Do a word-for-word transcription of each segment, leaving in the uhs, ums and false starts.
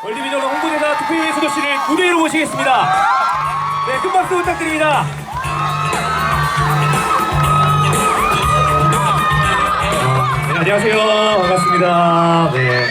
월드비전 홍보대사 투표의 수도 씨를 무대 위로 모시겠습니다. 네, 큰 박수 부탁드립니다. 네, 안녕하세요. 반갑습니다. 네. 네,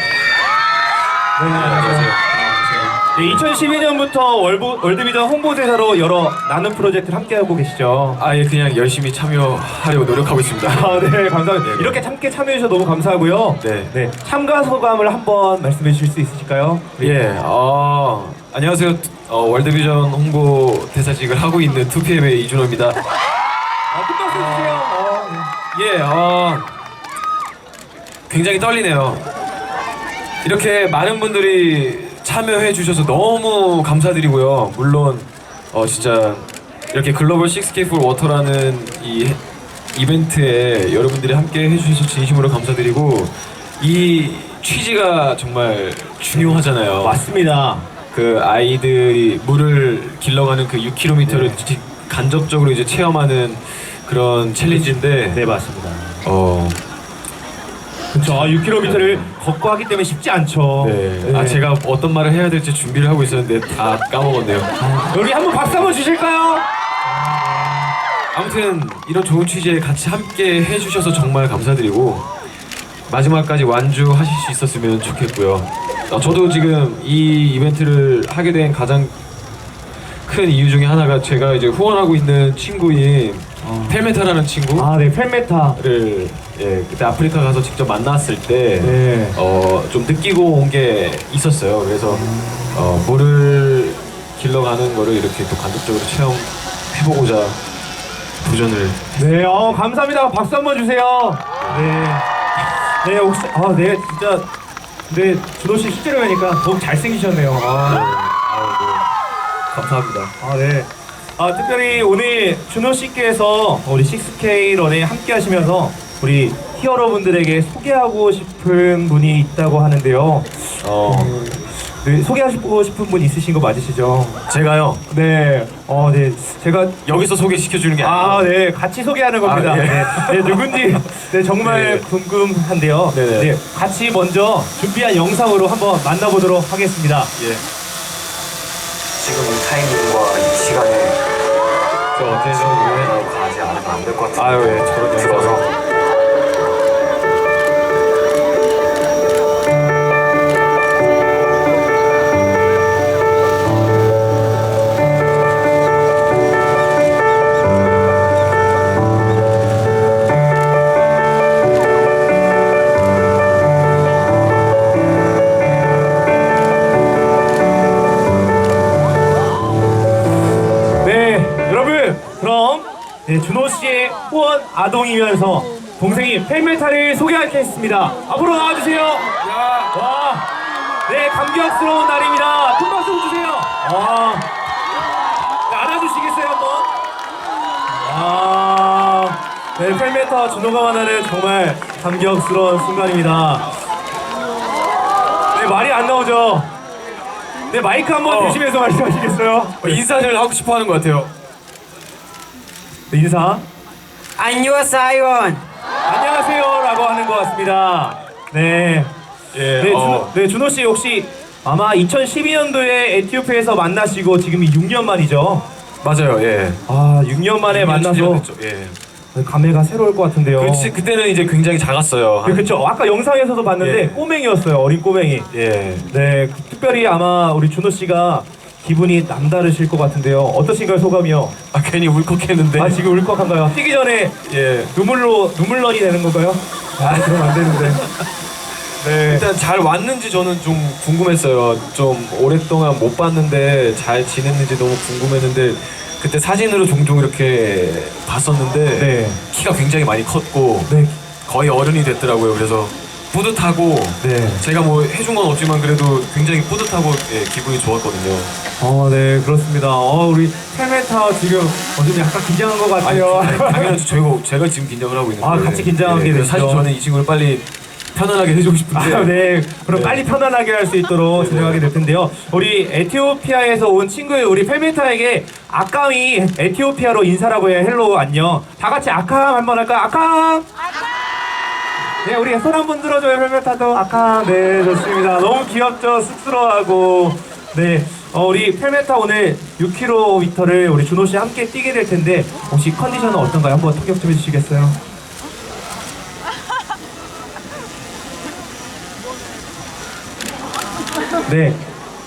안녕하세요. 네, 이천십이 년부터 월부, 월드비전 홍보대사로 여러 나눔 프로젝트를 함께하고 계시죠. 아예 그냥 열심히 참여하려고 노력하고 있습니다. 아, 네, 감사합니다. 네, 네. 이렇게 함께 참여해주셔서 너무 감사하고요. 네. 네, 참가 소감을 한번 말씀해 주실 수 있으실까요? 예, 어, 안녕하세요. 어, 월드비전 홍보 대사직을 하고 있는 투피엠의 이준호입니다. 아, 큰 박수 주세요. 어, 네. 예, 어, 굉장히 떨리네요. 이렇게 많은 분들이 참여해 주셔서 너무 감사드리고요. 물론 어, 진짜 이렇게 글로벌 식스케이 포 워터라는 이 이벤트에 여러분들이 함께 해주셔서 진심으로 감사드리고, 이 취지가 정말 중요하잖아요. 맞습니다. 그 아이들이 물을 길러가는 그 육 킬로미터를 네. 간접적으로 이제 체험하는 그런 챌린지인데, 네, 맞습니다. 어, 그렇죠. 아, 육 킬로미터를 걷고 하기 때문에 쉽지 않죠. 네. 네. 아, 제가 어떤 말을 해야 될지 준비를 하고 있었는데 다 까먹었네요. 여기 한번 박수 한번 주실까요? 아무튼 이런 좋은 취지에 같이 함께 해주셔서 정말 감사드리고, 마지막까지 완주하실 수 있었으면 좋겠고요. 어, 저도 지금 이 이벤트를 하게 된 가장 큰 이유 중에 하나가 제가 이제 후원하고 있는 친구인 어. 펠메타라는 친구. 아, 네, 펠메타. 를 예, 그때 아프리카 가서 직접 만났을 때 네. 어, 좀 느끼고 온 게 있었어요. 그래서 어, 물을 길러가는 거를 이렇게 또 간접적으로 체험해보고자 도전을. 네, 어, 감사합니다. 박수 한번 주세요. 네. 네, 혹시, 아, 네, 진짜. 네, 준호 씨 실제로 뵈니까 더욱 잘생기셨네요. 아, 아, 네. 감사합니다. 아, 네. 아, 특별히 오늘 준호 씨께서 우리 식스케이 런에 함께 하시면서 우리 히어로분들에게 소개하고 싶은 분이 있다고 하는데요. 어, 네, 소개하고 싶은 분 있으신 거 맞으시죠? 제가요 네, 어, 네, 제가 여기서 소개시켜주는 게 아, 아니고. 네, 같이 소개하는 겁니다. 아, 예. 네, 네, 누군지 네, 정말 네. 궁금한데요. 네네. 네, 같이 먼저 준비한 영상으로 한번 만나보도록 하겠습니다. 예. 지금 이 타이밍과 이 시간에 저 어때서 라고 가지 않으면 안 될 것 같은데. 아유, 예, 저런 들어서 영상을. 네, 준호 씨의 후원 아동이면서 동생이 펠메타를 소개하겠습니다. 앞으로 나와주세요. 와, 네, 감격스러운 날입니다. 큰 박수 주세요. 와, 네, 안아주시겠어요 한번? 와, 네, 펠메타 준호가 만나는 정말 감격스러운 순간입니다. 네, 말이 안 나오죠. 네, 마이크 한번 어. 대시면서 말씀하시겠어요? 어, 인사를 하고 싶어 하는 것 같아요. 네, 인사. 안녕하세요. 안녕하세요라고 하는 것 같습니다. 네. 예, 네, 어. 준호, 네, 준호 씨 혹시 아마 이천십이 년도에 에티오피아에서 만나시고 지금이 육 년 만이죠? 맞아요, 예. 아, 육 년 만에 만나서 됐죠. 예. 감회가 새로울 것 같은데요. 그치, 그때는 이제 굉장히 작았어요. 네, 그렇죠. 아까 영상에서도 봤는데 예. 꼬맹이였어요. 어린 꼬맹이. 예. 네, 그- 특별히 아마 우리 준호 씨가 기분이 남다르실 것 같은데요. 어떠신가요, 소감이요? 아, 괜히 울컥했는데. 아, 지금 울컥한가요? 뛰기 전에 예. 눈물로 눈물런이 되는 건가요? 아, 그러면 안 되는데. 네. 일단 잘 왔는지 저는 좀 궁금했어요. 좀 오랫동안 못 봤는데 잘 지냈는지 너무 궁금했는데, 그때 사진으로 종종 이렇게 봤었는데 네. 키가 굉장히 많이 컸고 네. 거의 어른이 됐더라고요. 그래서 뿌듯하고, 네. 제가 뭐 해준 건 없지만 그래도 굉장히 뿌듯하고, 예, 기분이 좋았거든요. 어, 네, 그렇습니다. 어, 우리 텔메타 지금 어, 좀 약간 긴장한 것 아니, 같아요. 아니, 당연히 제가, 제가 지금 긴장을 하고 있는데. 아, 같이 긴장하게 그래서 되죠. 사실 저는 이 친구를 빨리 편안하게 해주고 싶은데. 아, 네. 그럼 네. 빨리 편안하게 할 수 있도록 네, 진행하게 네. 될 텐데요. 우리 에티오피아에서 온 친구의 우리 펠메타에게 아kam이 에티오피아로 인사라고 해요. 헬로우 안녕. 다 같이 아캄 한번 할까요? 아캄! 네, 우리 손 한 번 들어줘요, 펠메타도. 아까, 네, 좋습니다. 너무 귀엽죠? 쑥스러워하고. 네, 어, 우리 펠메타 오늘 육 킬로미터를 우리 준호 씨 함께 뛰게 될 텐데, 혹시 컨디션은 어떤가요? 한번 통역 좀 해주시겠어요? 네.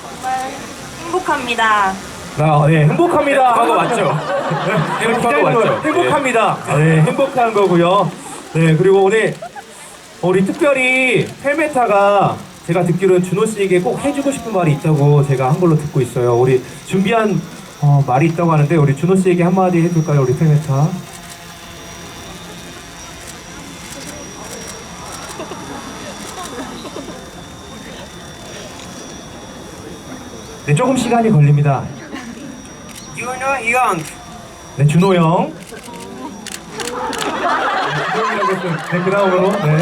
행복합니다. 아, 네, 행복합니다. 행복한 거 맞죠? 네, 행복한 거 기다리는 맞죠? 거예요. 행복합니다. 아, 네, 행복한 거고요. 네, 그리고 오늘 우리 특별히 펠메타가 제가 듣기로는 준호 씨에게 꼭 해주고 싶은 말이 있다고 제가 한 걸로 듣고 있어요. 우리 준비한 어, 말이 있다고 하는데 우리 준호 씨에게 한마디 해줄까요, 우리 펠메타? 네, 조금 시간이 걸립니다. You know Young. 네, 준호 형. 네, 그 다음으로, 네.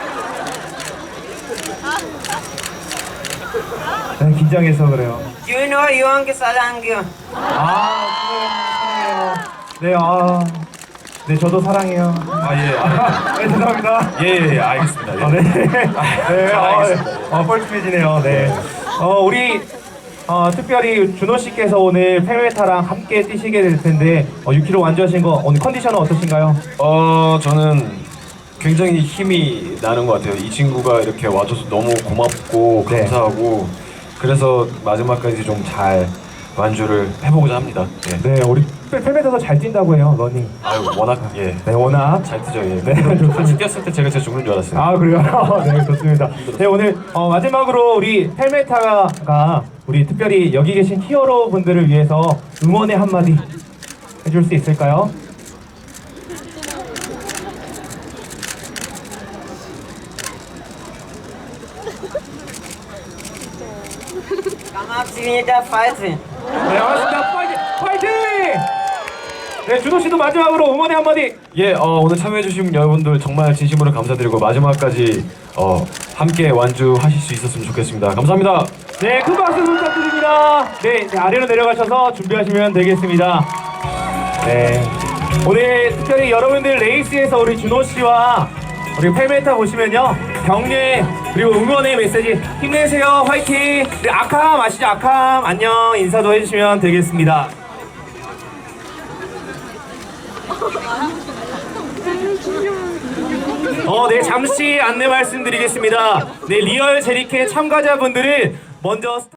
네, 긴장해서 그래요. You know Young 사랑해요. 아, 사랑해요. 네, 아. 네, 저도 사랑해요. 아 예. 아, 네, 죄송합니다. 예, 예, 예, 알겠습니다. 예. 아, 네. 네, 아, 아, 뻘쭘해지네요. 네. 어, 우리, 어, 특별히 준호 씨께서 오늘 펠메타랑 함께 뛰시게 될 텐데, 어, 육 킬로미터 완주하신 거, 오늘 컨디션은 어떠신가요? 어 저는 굉장히 힘이 나는 것 같아요. 이 친구가 이렇게 와줘서 너무 고맙고 네. 감사하고 그래서 마지막까지 좀 잘 완주를 해보고자 합니다. 예. 네, 우리 펠- 펠메타도 잘 뛴다고 해요, 러닝. 아유 워낙 예. 네, 워낙. 잘 뛰죠. 예. 네, 같이 좋습니다. 뛰었을 때 제가 진짜 죽는 줄 알았어요. 아, 그래요? 네, 좋습니다. 네, 오늘 어, 마지막으로 우리 펠메타가 우리 특별히 여기 계신 히어로 분들을 위해서 응원의 한마디 해줄 수 있을까요? 고맙습니다. 파이팅. 네, 반갑습니다. 파이팅! 파이팅! 네, 준호 씨도 마지막으로 응원의 한마디. 예, 어, 오늘 참여해주신 여러분들 정말 진심으로 감사드리고 마지막까지 어, 함께 완주하실 수 있었으면 좋겠습니다. 감사합니다. 네, 큰 박수 부탁드립니다. 네, 이제 아래로 내려가셔서 준비하시면 되겠습니다. 네, 오늘 특별히 여러분들 레이스에서 우리 준호 씨와 우리 펠메타 보시면요, 격려 그리고 응원의 메시지 힘내세요, 화이팅. 네, 아캄 아시죠? 아캄 안녕 인사도 해주시면 되겠습니다. 어, 네, 잠시 안내 말씀드리겠습니다. 네, 리얼 제리캐 참가자분들은 먼저